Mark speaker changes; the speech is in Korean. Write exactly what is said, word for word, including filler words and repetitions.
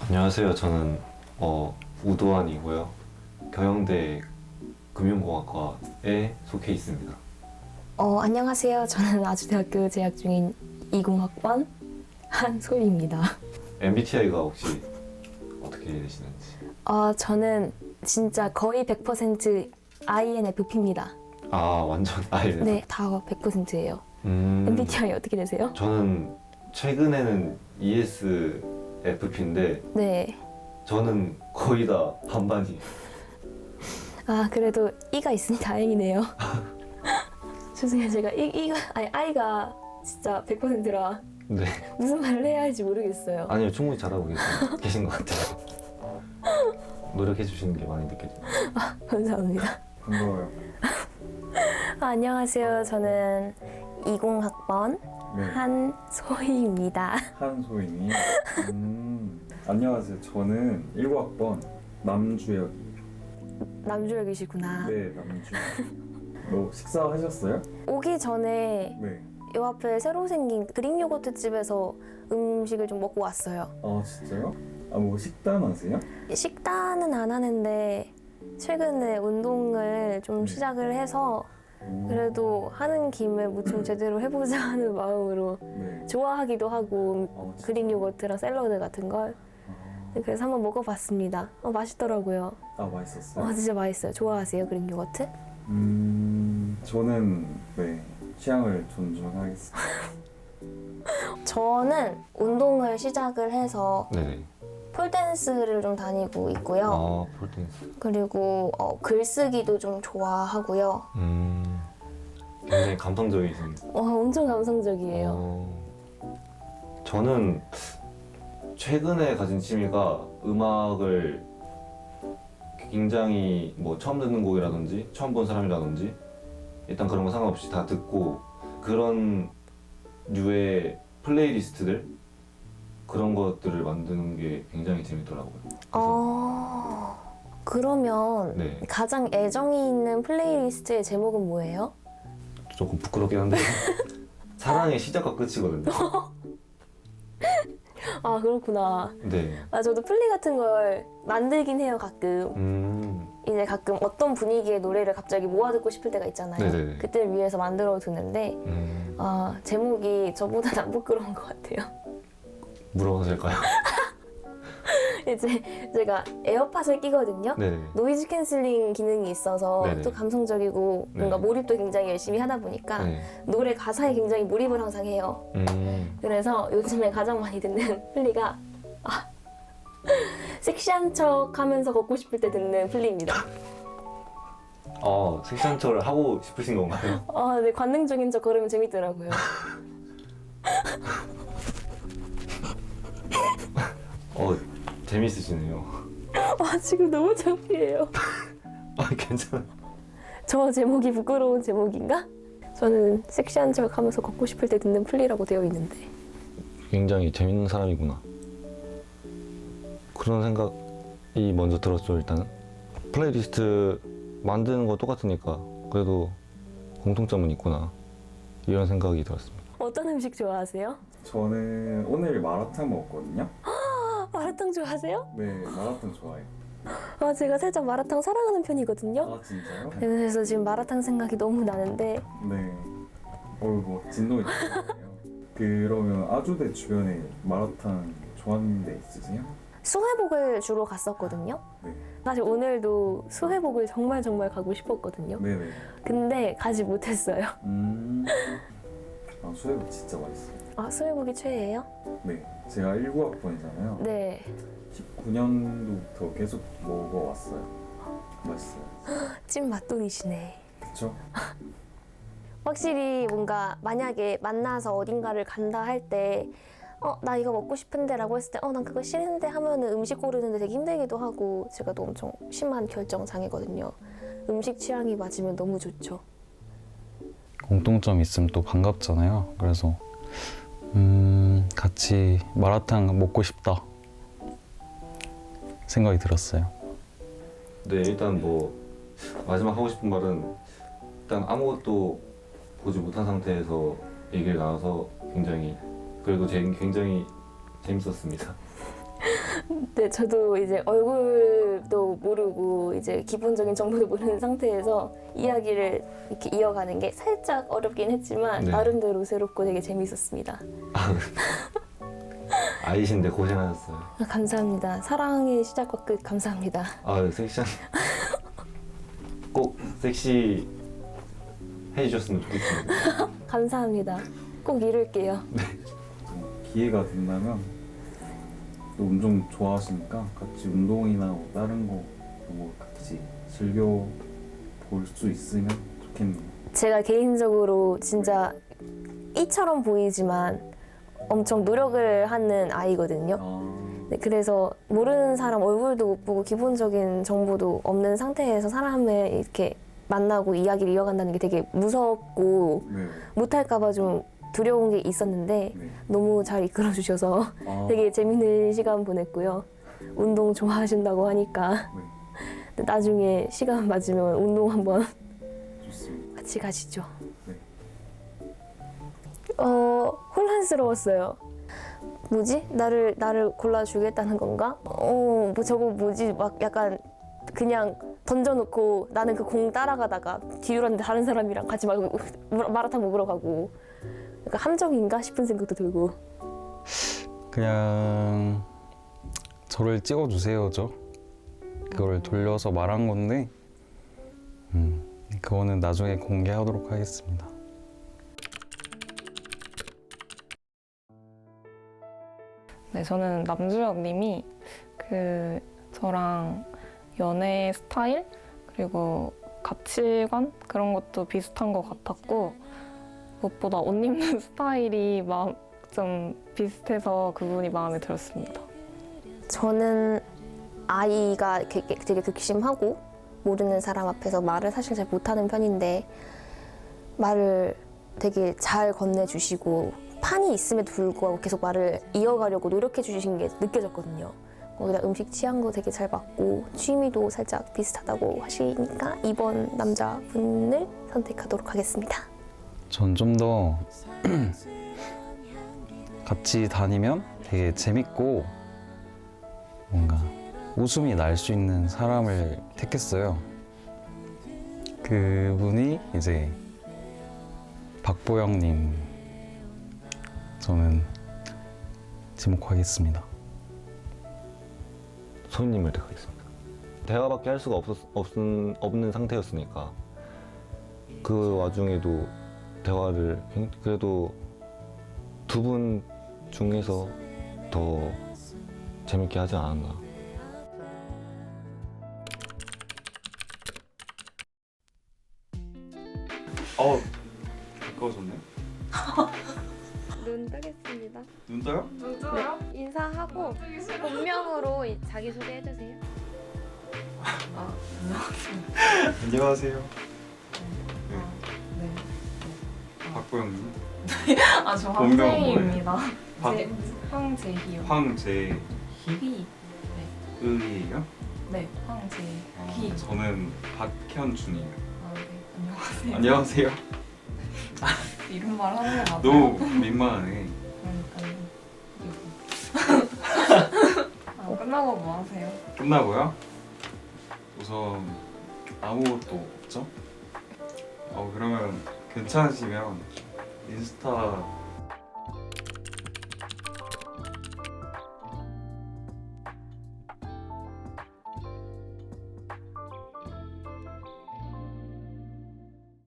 Speaker 1: 안녕하세요. 저는 어, 우도환이고요. 경영대 금융공학과에 속해 있습니다.
Speaker 2: 어, 안녕하세요. 저는 아주대학교 재학 중인 이공학번 한소희입니다.
Speaker 1: 엠비티아이가 혹시 어떻게 되시는지?
Speaker 2: 어, 저는 진짜 거의 백 퍼센트 아이엔에프피입니다.
Speaker 1: 아, 완전 아이는.
Speaker 2: 네, 다 백 퍼센트예요.
Speaker 1: 음,
Speaker 2: 엠비티아이 어떻게 되세요?
Speaker 1: 저는 최근에는 이에스에프피인데
Speaker 2: 네.
Speaker 1: 저는 거의 다 반반이에요.
Speaker 2: 아, 그래도 이가 있으니 다행이네요. 죄송해요. 제가 이, 이가, 아니, 아이가 진짜 백 퍼센트라
Speaker 1: 네.
Speaker 2: 무슨 말을 해야 할지 모르겠어요.
Speaker 1: 아니요, 충분히 잘하고 계신, 계신 것 같아요. 노력해 주시는 게 많이 느껴져요.
Speaker 2: 감사합니다.
Speaker 3: 반가워요.
Speaker 2: 아, 안녕하세요. 저는 이공학번
Speaker 3: 네,
Speaker 2: 한소희입니다.
Speaker 3: 한소인이. 음, 안녕하세요. 저는 일구학번 남주혁이에요.
Speaker 2: 남주혁이시구나.
Speaker 3: 네, 남주혁. 뭐 식사하셨어요?
Speaker 2: 오기 전에
Speaker 3: 네.
Speaker 2: 요 앞에 새로 생긴 그릭 요거트 집에서 음식을 좀 먹고 왔어요.
Speaker 3: 아 진짜요? 아 뭐 식단 하세요?
Speaker 2: 식단은 안 하는데 최근에 운동을 좀
Speaker 3: 네.
Speaker 2: 시작을 해서
Speaker 3: 오,
Speaker 2: 그래도 하는 김에 뭐 좀 제대로 해보자 하는 마음으로
Speaker 3: 네.
Speaker 2: 좋아하기도 하고
Speaker 3: 아, 진짜?
Speaker 2: 그릭 요거트랑 샐러드 같은 걸
Speaker 3: 아,
Speaker 2: 그래서 한번 먹어봤습니다. 어, 맛있더라고요.
Speaker 3: 아 맛있었어요?
Speaker 2: 어, 진짜 맛있어요. 좋아하세요 그릭 요거트?
Speaker 3: 음, 저는 네 취향을 존중하겠습니다.
Speaker 2: 저는 운동을 시작을 해서
Speaker 1: 네네.
Speaker 2: 폴댄스를 좀 다니고 있고요.
Speaker 1: 아, 폴댄스.
Speaker 2: 그리고 어, 글쓰기도 좀 좋아하고요.
Speaker 1: 음, 굉장히 감성적이신.
Speaker 2: 어, 엄청 감성적이에요.
Speaker 1: 어, 저는 최근에 가진 취미가 음악을 굉장히 뭐 처음 듣는 곡이라든지 처음 본 사람이라든지 일단 그런 거 상관없이 다 듣고 그런 류의 플레이리스트들 그런 것들을 만드는 게 굉장히 재밌더라고요. 그래서
Speaker 2: 어, 그러면
Speaker 1: 네,
Speaker 2: 가장 애정이 있는 플레이리스트의 제목은 뭐예요?
Speaker 1: 조금 부끄럽긴 한데 사랑의 시작과 끝이거든요.
Speaker 2: 아, 그렇구나.
Speaker 1: 네.
Speaker 2: 아, 저도 플리 같은 걸 만들긴 해요, 가끔.
Speaker 1: 음,
Speaker 2: 이제 가끔 어떤 분위기의 노래를 갑자기 모아 듣고 싶을 때가 있잖아요.
Speaker 1: 네네네.
Speaker 2: 그때를 위해서 만들어 두는데,
Speaker 1: 음,
Speaker 2: 아, 제목이 저보다 안 부끄러운 것 같아요.
Speaker 1: 물어봐도 될까요?
Speaker 2: 이제 제가 에어팟을 끼거든요.
Speaker 1: 네네.
Speaker 2: 노이즈 캔슬링 기능이 있어서
Speaker 1: 네네.
Speaker 2: 또 감성적이고 뭔가
Speaker 1: 네.
Speaker 2: 몰입도 굉장히 열심히 하다 보니까
Speaker 1: 네.
Speaker 2: 노래 가사에 굉장히 몰입을 항상 해요.
Speaker 1: 음,
Speaker 2: 그래서 요즘에 가장 많이 듣는 플리가 아, 섹시한 척 하면서 걷고 싶을 때 듣는 플리입니다.
Speaker 1: 어, 섹시한 척을 하고 싶으신 건가요?
Speaker 2: 아, 네, 관능적인 척 걸으면 재밌더라고요.
Speaker 1: 어, 재밌으시네요.
Speaker 2: 아, 지금 너무 창피해요.
Speaker 1: 아, 괜찮아.
Speaker 2: 저 제목이 부끄러운 제목인가? 저는 섹시한 척 하면서 걷고 싶을 때 듣는 플리라고 되어 있는데.
Speaker 1: 굉장히 재밌는 사람이구나. 그런 생각이 먼저 들었죠, 일단은. 플레이리스트 만드는 거 똑같으니까 그래도 공통점은 있구나. 이런 생각이 들었습니다.
Speaker 2: 어떤 음식 좋아하세요?
Speaker 3: 저는 오늘 마라탕 먹었거든요.
Speaker 2: 아, 마라탕 좋아하세요?
Speaker 3: 네, 마라탕 좋아해요.
Speaker 2: 아, 제가 살짝 마라탕 사랑하는 편이거든요.
Speaker 3: 아 진짜요?
Speaker 2: 그래서 지금 마라탕 생각이 너무 나는데
Speaker 3: 네. 어이구 진동이 들리네요. 그러면 아주대 주변에 마라탕 좋아하는 데 있으세요?
Speaker 2: 수회복을 주로 갔었거든요.
Speaker 3: 네.
Speaker 2: 사실 오늘도 수회복을 정말 정말 가고 싶었거든요.
Speaker 3: 네네.
Speaker 2: 근데 가지 못했어요.
Speaker 3: 음. 아 수해복 진짜 맛있어요.
Speaker 2: 아, 수회복이 최애예요?
Speaker 3: 네. 제가 일구학번이잖아요.
Speaker 2: 네.
Speaker 3: 십구 년도부터 계속 먹어왔어요. 맛있어요.
Speaker 2: 찐 맛돌이시네.
Speaker 3: 그쵸?
Speaker 2: 확실히 뭔가 만약에 만나서 어딘가를 간다 할 때 어, 나 이거 먹고 싶은데 라고 했을 때 어, 난 그거 싫은데 하면은 음식 고르는데 되게 힘들기도 하고 제가 또 엄청 심한 결정장애거든요. 음식 취향이 맞으면 너무 좋죠.
Speaker 4: 공통점 있으면 또 반갑잖아요. 그래서 음, 같이 마라탕 먹고 싶다 생각이 들었어요.
Speaker 1: 네, 일단 뭐 마지막 하고 싶은 말은 일단 아무것도 보지 못한 상태에서 얘기를 나눠서 굉장히 그래도 제, 굉장히 재밌었습니다.
Speaker 2: 네, 저도 이제 얼굴도 모르고 이제 기본적인 정보도 모르는 상태에서 이야기를 이렇게 이어가는 게 살짝 어렵긴 했지만
Speaker 1: 네.
Speaker 2: 나름대로 새롭고 되게 재밌었습니다.
Speaker 1: 아이신데 고생하셨어요.
Speaker 2: 아, 감사합니다. 사랑의 시작과 끝 감사합니다.
Speaker 1: 아 섹시한 꼭 섹시 해주셨으면 좋겠습니다.
Speaker 2: 감사합니다. 꼭 이룰게요.
Speaker 3: 기회가 된다면 또 운동 좋아하시니까 같이 운동이나 뭐 다른 거 뭐 같이 즐겨 볼 수 있으면 좋겠네요.
Speaker 2: 제가 개인적으로 진짜 이처럼 보이지만 엄청 노력을 하는 아이거든요.
Speaker 3: 아,
Speaker 2: 네, 그래서 모르는 사람 얼굴도 못 보고 기본적인 정보도 없는 상태에서 사람을 이렇게 만나고 이야기를 이어간다는 게 되게 무섭고
Speaker 3: 네.
Speaker 2: 못할까봐 좀 두려운 게 있었는데
Speaker 3: 네.
Speaker 2: 너무 잘 이끌어 주셔서
Speaker 3: 아,
Speaker 2: 되게 재밌는 시간 보냈고요. 운동 좋아하신다고 하니까
Speaker 3: 네.
Speaker 2: 나중에 시간 맞으면 운동 한번
Speaker 3: 좋습니다.
Speaker 2: 같이 가시죠.
Speaker 3: 네.
Speaker 2: 어, 혼란스러웠어요. 뭐지? 나를 나를 골라주겠다는 건가? 어, 뭐 저거 뭐지? 막 약간 그냥 던져놓고 나는 그 공 따라가다가 뒤돌았는데 다른 사람이랑 같이 막 마라탕 먹으러 가고 약간 함정인가 싶은 생각도 들고.
Speaker 4: 그냥 저를 찍어주세요죠. 그걸 돌려서 말한 건데 음, 그거는 나중에 공개하도록 하겠습니다.
Speaker 5: 네, 저는 남주혁 님이 그 저랑 연애 스타일 그리고 가치관 그런 것도 비슷한 것 같았고 무엇보다 옷 입는 스타일이 마음 좀 비슷해서 그분이 마음에 들었습니다.
Speaker 2: 저는 아이가 되게, 되게 극심하고 모르는 사람 앞에서 말을 사실 잘 못하는 편인데 말을 되게 잘 건네주시고 판이 있음에도 불구하고 계속 말을 이어가려고 노력해 주신 게 느껴졌거든요. 거기다 음식 취향도 되게 잘 맞고 취미도 살짝 비슷하다고 하시니까 이번 남자분을 선택하도록 하겠습니다.
Speaker 4: 전 좀 더 같이 다니면 되게 재밌고 뭔가 웃음이 날 수 있는 사람을 택했어요. 그분이 이제 박보영님 저는 지목하겠습니다.
Speaker 1: 소희님을 택하겠습니다. 대화밖에 할 수가 없었, 없은, 없는 상태였으니까 그 와중에도 대화를 굉- 그래도 두 분 중에서 더 재밌게 하지 않았나.
Speaker 3: 어, 가까워졌네.
Speaker 6: 눈 뜨겠습니다.
Speaker 3: 눈 떠요?
Speaker 6: 네, 인사하고 본명으로 이- 자기소개 해주세요.
Speaker 3: 안녕하세요.
Speaker 5: 네.
Speaker 3: 박보영님.
Speaker 5: 아, 저
Speaker 3: 본명은
Speaker 5: 황재희입니다.
Speaker 3: 박-
Speaker 5: 제, 황재희요.
Speaker 3: 황재희.
Speaker 5: 희.
Speaker 3: 의예요?
Speaker 5: 네, 황재희.
Speaker 3: 저는 박현준이에요.
Speaker 5: 아, 네. 안녕하세요.
Speaker 3: 안녕하세요.
Speaker 5: 이런 말 하는 거 맞아요?
Speaker 3: 너무 민망하네.
Speaker 5: 그러니까요. 아, 끝나고 뭐 하세요?
Speaker 3: 끝나고요? 우선 아무것도 없죠? 어 그러면 괜찮으시면 인스타